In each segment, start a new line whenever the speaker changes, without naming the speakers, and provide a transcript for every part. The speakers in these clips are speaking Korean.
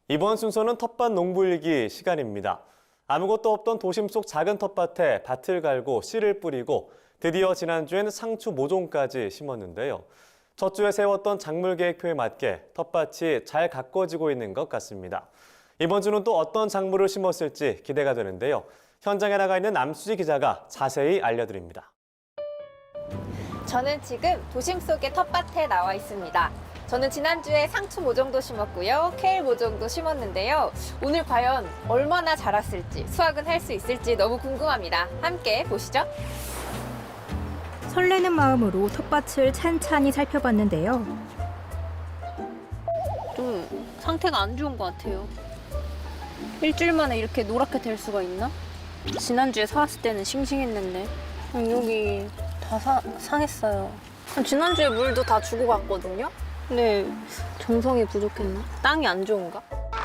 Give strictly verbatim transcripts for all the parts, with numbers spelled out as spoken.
이번 순서는 텃밭 농부일기 시간입니다. 아무것도 없던 도심 속 작은 텃밭에 밭을 갈고 씨를 뿌리고 드디어 지난주엔 상추 모종까지 심었는데요. 첫 주에 세웠던 작물 계획표에 맞게 텃밭이 잘 가꿔지고 있는 것 같습니다. 이번 주는 또 어떤 작물을 심었을지 기대가 되는데요. 현장에 나가 있는 남수지 기자가 자세히 알려드립니다.
저는 지금 도심 속의 텃밭에 나와 있습니다. 저는 지난주에 상추 모종도 심었고요. 케일 모종도 심었는데요. 오늘 과연 얼마나 자랐을지, 수확은 할 수 있을지 너무 궁금합니다. 함께 보시죠.
설레는 마음으로 텃밭을 찬찬히 살펴봤는데요.
좀 상태가 안 좋은 것 같아요. 일주일 만에 이렇게 노랗게 될 수가 있나? 지난주에 사왔을 때는 싱싱했는데 음, 여기 다 사, 상했어요. 지난주에 물도 다 주고 갔거든요. 근데 정성이 부족했나? 땅이 안 좋은가?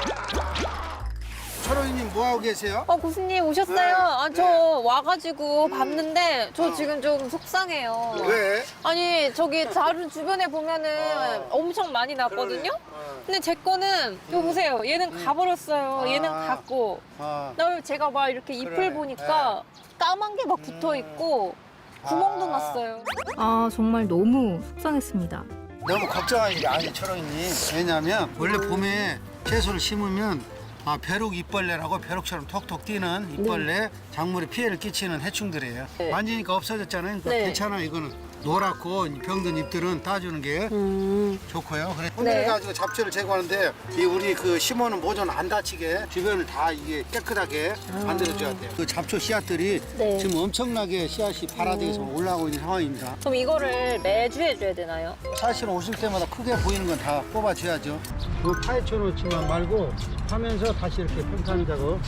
철호이님 뭐하고 계세요?
어, 교수님 오셨어요?
네.
아, 저
네.
와가지고 봤는데 저
어.
지금 좀 속상해요.
왜?
아니, 저기 다른 주변에 보면은
어.
엄청 많이 났거든요?
어.
근데 제 거는, 이거 보세요. 얘는 가버렸어요.
아.
얘는 갔고.
아.
그다음에 제가 막 이렇게 잎을
그래.
보니까 까만 게 막 붙어 있고 구멍도
아.
났어요.
아, 정말 너무 속상했습니다.
너무 걱정하는 게 아니 철호이님. 왜냐면 원래 봄에 채소를 심으면 아, 벼룩 잎벌레라고 벼룩처럼 톡톡 뛰는 잎벌레, 작물에 피해를 끼치는 해충들이에요.
네.
만지니까 없어졌잖아요. 그러니까
네.
괜찮아. 이거는 노랗고 병든 잎들은 따주는 게
음.
좋고요. 그래 손질
네.
가지고 잡초를 제거하는데 이 우리 그 심어놓은 모종 안 다치게 주변을 다 이게 깨끗하게 만들어줘야 돼요. 그 잡초 씨앗들이
네.
지금 엄청나게 씨앗이 발화돼서 올라오고 있는 상황입니다.
그럼 이거를 매주 해줘야 되나요?
사실은 오실 때마다 크게 보이는 건 다 뽑아줘야죠. 그 파헤쳐 놓지만 말고 하면서 다시 이렇게 평탄 작업.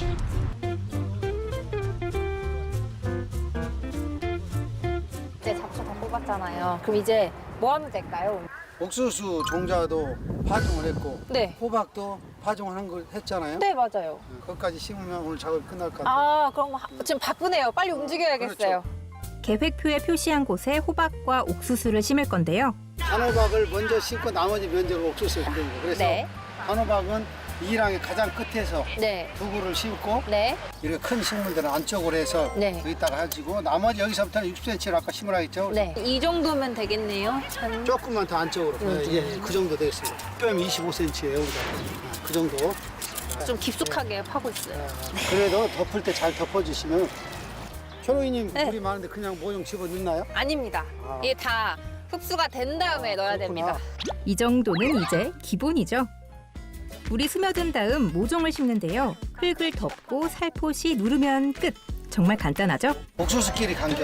이제 잡초 다 뽑았잖아요. 그럼 이제 뭐 하면 될까요?
옥수수 종자도 파종을 했고
네.
호박도 파종을 한 걸 했잖아요.
네, 맞아요.
그것까지 심으면 오늘 작업이 끝날 것 같아요.
아, 그럼 하- 지금 바쁘네요. 빨리 움직여야겠어요.
계획표에 표시한 곳에 호박과 옥수수를 심을 건데요.
단호박을 먼저 심고 나머지 면적을 옥수수에 심는 거예요. 그래서
네.
단호박은 이랑의 가장 끝에서
네.
두 그루를 심고
네.
이렇게 큰 식물들은 안쪽으로 해서
네.
여기다가 해주고 나머지 여기서부터는 육십 센티미터로 아까 심으라 했죠?
네. 이 정도면 되겠네요. 한...
조금만 더 안쪽으로. 네, 예, 예, 그 정도 되겠습니다. 뺨 이십오 센티미터예요. 우리가. 그 정도.
좀 깊숙하게 파고 있어요.
그래도 덮을 때 잘 덮어주시면 초롱이님
네.
물이 많은데 그냥 모종 집어 넣나요?
아닙니다.
아.
이게 다 흡수가 된 다음에 넣어야
그렇구나.
됩니다.
이 정도는 이제 기본이죠. 물이 스며든 다음 모종을 심는데요. 흙을 덮고 살포시 누르면 끝. 정말 간단하죠?
옥수수끼리 간격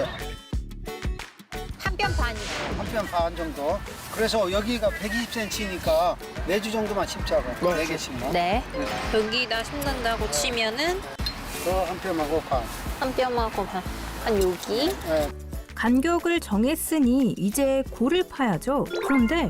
한 뼘 반이요.
한 뼘 반 정도. 그래서 여기가 백이십 센티미터니까 네 주 정도만 심자고 네 개씩만.
네. 여기다 심는다고 치면은
더한 뼘하고 반.
한 뼘하고 반. 한 여기.
네.
간격을 정했으니 이제 골을 파야죠. 그런데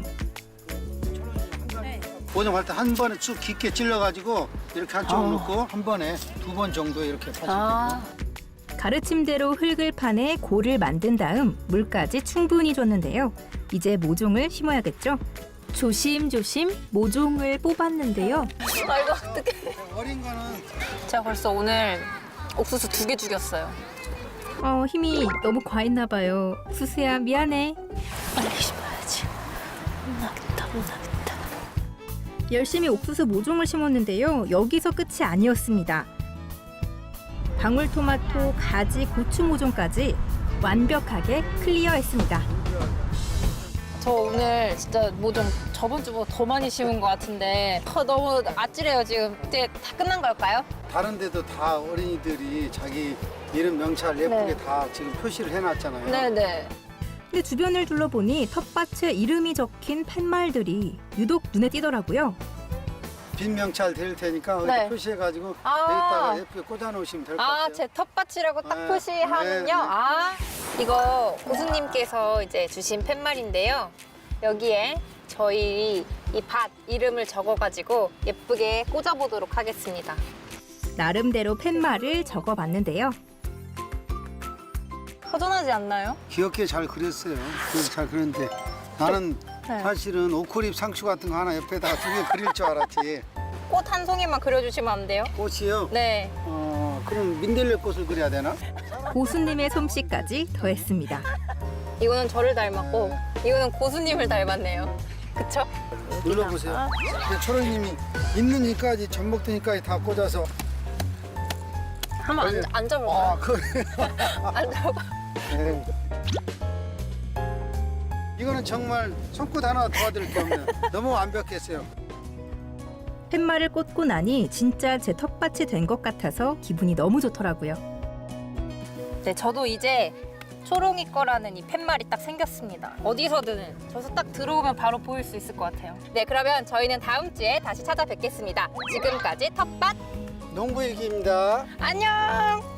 모종할 때 한 번에 쭉 깊게 찔러가지고 이렇게 한쪽으로
아.
넣고 한 번에 두 번 정도 이렇게 파시면
아.
가르침대로 흙을 파내 골을 만든 다음 물까지 충분히 줬는데요. 이제 모종을 심어야겠죠. 조심조심 모종을 뽑았는데요.
아이고, 어떡해.
돼요. 어린 거는
제가 벌써 오늘 옥수수 두 개 죽였어요.
어, 힘이 너무 과했나 봐요. 수수야 미안해.
빨리 심어야지. 혼나겠다, 혼나겠다.
열심히 옥수수 모종을 심었는데요. 여기서 끝이 아니었습니다. 방울토마토, 가지, 고추 모종까지 완벽하게 클리어했습니다.
저 오늘 진짜 뭐 좀 저번 주보다 더 많이 심은 것 같은데 어, 너무 아찔해요 지금. 이제 다 끝난 걸까요?
다른 데도 다 어린이들이 자기 이름 명찰 예쁘게
네.
다 지금 표시를 해놨잖아요.
네네.
근데 주변을 둘러보니 텃밭에 이름이 적힌 팻말들이 유독 눈에 띄더라고요.
빈 명찰 드릴 테니까
네.
이렇게 표시해가지고
아.
여기다가 예쁘게 꽂아놓으시면 될 것
아,
같아요.
제 텃밭이라고 딱
네.
표시하면요.
네, 네.
아, 이거 고수님께서 이제 주신 팻말인데요. 여기에 저희 이 밭 이름을 적어가지고 예쁘게 꽂아보도록 하겠습니다.
나름대로 팻말을 적어봤는데요.
허전하지 않나요?
귀엽게 잘 그렸어요. 그래서 잘 그렸는데 나는
네.
사실은 오크립 상추 같은 거 하나 옆에다가 두 개 그릴 줄 알았지.
꽃 한 송이만 그려주시면 안 돼요?
꽃이요?
네.
어, 그럼 민들레 꽃을 그려야 되나?
고수님의 솜씨까지 더했습니다.
이거는 저를 닮았고 이거는 고수님을 닮았네요. 그쵸?
눌러보세요. 근데 초롱님이 있는 이까지 전복등이까지 다 꽂아서.
한번 앉, 앉아볼까요?
아, 그.
앉아봐.
네. 이거는 정말 손끝 하나 도와드릴 게 없네요. 너무 완벽했어요.
팻말을 꽂고 나니 진짜 제 텃밭이 된 것 같아서 기분이 너무 좋더라고요.
네, 저도 이제 초롱이 거라는 이 팻말이 딱 생겼습니다. 어디서든 저기서 딱 들어오면 바로 보일 수 있을 것 같아요. 네, 그러면 저희는 다음 주에 다시 찾아뵙겠습니다. 지금까지 텃밭
농부일기입니다.
안녕!